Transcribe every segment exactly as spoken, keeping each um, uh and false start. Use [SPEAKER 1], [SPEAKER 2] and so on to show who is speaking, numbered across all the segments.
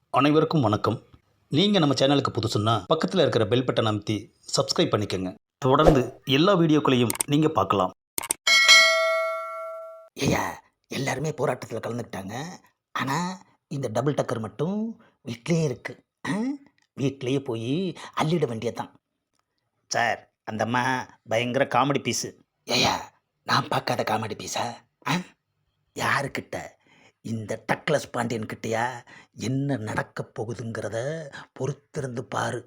[SPEAKER 1] அனைவருக்கும் வணக்கம். நீங்கள் நம்ம சேனலுக்கு புதுசுன்னா பக்கத்தில் இருக்கிற பெல் பட்டனை அமைத்தி சப்ஸ்கிரைப் பண்ணிக்கோங்க. தொடர்ந்து எல்லா வீடியோக்களையும் நீங்கள் பார்க்கலாம்.
[SPEAKER 2] ஐயா, எல்லாருமே போராட்டத்தில் கலந்துக்கிட்டாங்க. ஆனால் இந்த டபுள் டக்கர் மட்டும் வீட்டிலே இருக்கு. ஆ? வீட்டிலேயே போய் அள்ளிட வேண்டியதுதான். சார், அந்த அம்மா பயங்கர காமெடி பீஸு. ஐயா, நான் பார்க்காத காமெடி பீஸா? ஆ? யாருக்கிட்ட? இந்த டக்ளஸ் பாண்டியன் கிட்டயா? என்ன நடக்க போகுதுங்கிறத பொறுத்திருந்து பாரு.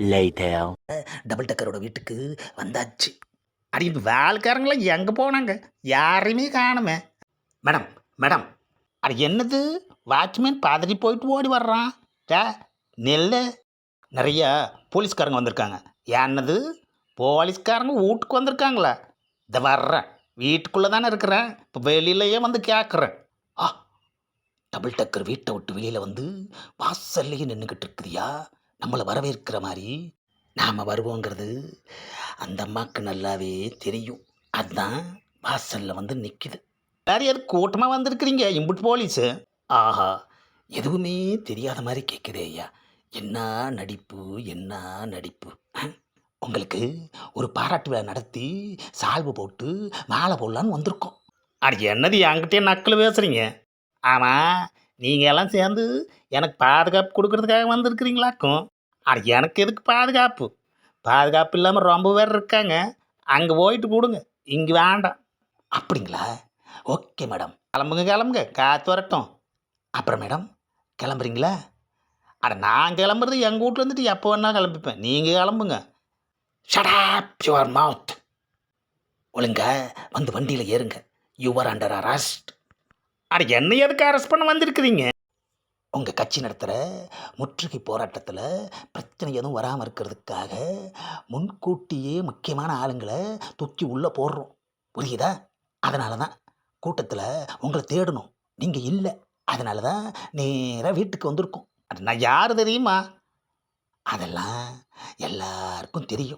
[SPEAKER 2] டபுள் டக்கரோட வீட்டுக்கு வந்தாச்சு. அடி இந்த வேலைக்காரங்களாம் எங்கே போனாங்க? யாரையுமே காணுமே. மேடம் மேடம் அது என்னது? வாட்ச்மேன் பதறி போயிட்டு ஓடி வர்றான். டே நெல்லு. நிறையா போலீஸ்காரங்க வந்திருக்காங்க. என்னது? போலீஸ்காரங்க வீட்டுக்கு வந்திருக்காங்களா? இதை வர்றேன், வீட்டுக்குள்ளே தானே இருக்கிறேன், இப்போ வெளியிலையே வந்து கேட்குறேன். ஆ, டபுள் டக்கர் வீட்டை விட்டு வெளியில் வந்து வாசல்லையே நின்றுக்கிட்டு இருக்குதியா, நம்மளை வரவேற்கிற மாதிரி. நாம் வருவோங்கிறது அந்த அம்மாவுக்கு நல்லாவே தெரியும். அதுதான் வாசலில் வந்து நிற்கிது. வேறு எது கூட்டமாக வந்திருக்கிறீங்க இம்புட்டு போலீஸு? ஆஹா, எதுவுமே தெரியாத மாதிரி கேட்குதே ஐயா. என்ன நடிப்பு, என்ன நடிப்பு. உங்களுக்கு ஒரு பாராட்டு விழா நடத்தி சால்வு போட்டு மாலை போடலான்னு வந்திருக்கோம். அது என்னது என்கிட்டே நக்கல் பேசுகிறீங்க? ஆமாம், நீங்கள் எல்லாம் சேர்ந்து எனக்கு பாதுகாப்பு கொடுக்கறதுக்காக வந்திருக்கிறீங்களாக்கும். அது எனக்கு எதுக்கு பாதுகாப்பு? பாதுகாப்பு இல்லாமல் ரொம்ப பேர் இருக்காங்க. அங்கே போயிட்டு கொடுங்க, இங்கே வேண்டாம். அப்படிங்களா? ஓகே மேடம், கிளம்புங்க கிளம்புங்க, காற்று வரட்டும். அப்புறம் மேடம் கிளம்புறீங்களா? அட நான் கிளம்புறது எங்கள் வீட்டில் வந்துட்டு எப்போ வேணால் கிளம்பிப்பேன். நீங்கள் கிளம்புங்க. Shut up your mouth. ஒழுங்க வந்து வண்டியில் ஏறுங்க. Your under arrest. அட என்ன எதுக்கு அரெஸ்ட் பண்ண வந்திருக்கிறீங்க? உங்கள் கட்சி நடத்துகிற முற்றுகை போராட்டத்தில் பிரச்சனை எதுவும் வராமல் இருக்கிறதுக்காக முன்கூட்டியே முக்கியமான ஆளுங்களை தூக்கி உள்ளே போடுறோம். புரியுதா? அதனால தான் கூட்டத்தில் உங்களை தேடணும், நீங்கள் இல்லை. அதனால தான் நேராக வீட்டுக்கு வந்திருக்கோம். அது நான் யார் தெரியுமா? அதெல்லாம் எல்லாருக்கும் தெரியும்.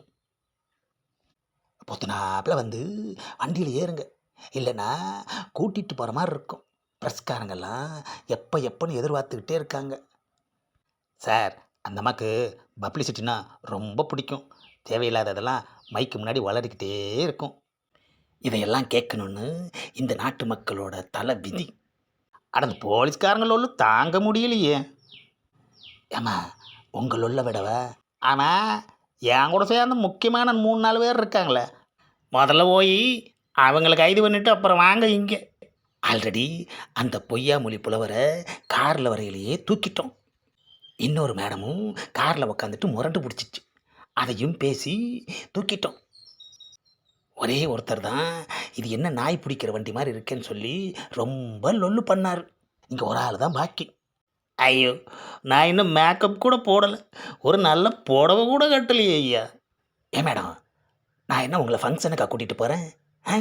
[SPEAKER 2] பொத்துனாப்பில் வந்து வண்டியில் ஏறுங்க, இல்லைன்னா கூட்டிகிட்டு போகிற மாதிரி இருக்கும். ப்ரெஸ்காரங்கெல்லாம் எப்போ எப்போன்னு எதிர்பார்த்துக்கிட்டே இருக்காங்க. சார், அந்த அம்மாவுக்கு பப்ளிசிட்டினா ரொம்ப பிடிக்கும். தேவையில்லாததெல்லாம் மைக்கு முன்னாடி வளரிக்கிட்டே இருக்கும். இதையெல்லாம் கேட்கணுன்னு இந்த நாட்டு மக்களோட தலை விதி. அட அந்த போலீஸ்காரங்களோட தாங்க முடியலையே. ஏம்மா, உங்களோட விடவ? ஆனால் என் கூட சேர்ந்து முக்கியமான மூணு நாலு பேர் இருக்காங்களே, முதல்ல போய் அவங்கள கைது பண்ணிவிட்டு அப்புறம் வாங்க இங்கே. ஆல்ரெடி அந்த பொய்யா மொழி புலவரை காரில் வரையிலேயே தூக்கிட்டோம். இன்னொரு மேடமும் காரில் உக்காந்துட்டு முரண்டு பிடிச்சிச்சு, அதையும் பேசி தூக்கிட்டோம். ஒரே ஒருத்தர் தான் இது என்ன நாய் பிடிக்கிற வண்டி மாதிரி இருக்கேன்னு சொல்லி ரொம்ப லொல்லு பண்ணார். இங்கே ஒரு ஆள் தான் பாக்கி. ஐயோ, நான் இன்னும் மேக்கப் கூட போடலை, ஒரு நல்ல புடவை கூட கட்டலையே ஐயா. ஏன் மேடம், நான் என்ன உங்களை ஃபங்க்ஷனுக்காக கூட்டிகிட்டு போகிறேன்? ஆ?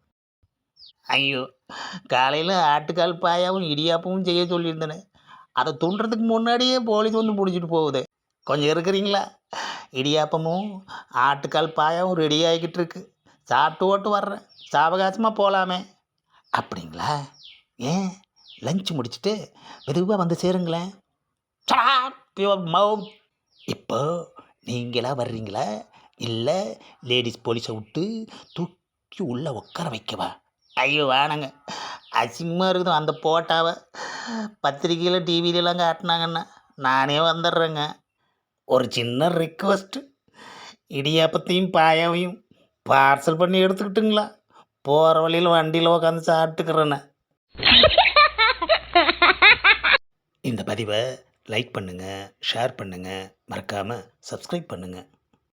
[SPEAKER 2] ஐயோ, காலையில் ஆட்டுக்கால் பாயாவும் இடியாப்பமும் செய்ய சொல்லியிருந்தேனே, அதை தூண்டுறதுக்கு முன்னாடியே போலீஸ் வந்து பிடிச்சிட்டு போகுது. கொஞ்சம் இருக்கிறீங்களா? இடியாப்பமும் ஆட்டுக்கால் பாயாவும் ரெடி ஆகிக்கிட்டு இருக்கு. சாப்பிட்டு ஓட்டு வர்றேன், சாவகாசமாக போகலாமே. அப்படிங்களா? ஏன் லஞ்ச் முடிச்சுட்டு மெதுவாக வந்து சேருங்களேன். மவுத். இப்போ நீங்களா வர்றீங்களா, இல்லை லேடிஸ் போலீஸை விட்டு தூக்கி உள்ளே உட்கார வைக்கவா? ஐயோ வேணாங்க, அசிங்கமாக இருக்குது. அந்த போட்டாவை பத்திரிக்கையில் டிவிலெலாம் காட்டினாங்கன்னா நானே வந்துடுறேங்க. ஒரு சின்ன ரிக்வஸ்ட்டு, இடியாப்பத்தையும் பாயாவையும் பார்சல் பண்ணி எடுத்துக்கிட்டுங்களா? போகிற வழியில் வண்டியில் உட்காந்து சாப்பிட்டுக்கிறேன்னு. இந்த பதிவை லைக் பண்ணுங்கள், ஷேர் பண்ணுங்கள், மறக்காமல் சப்ஸ்கிரைப் பண்ணுங்கள்.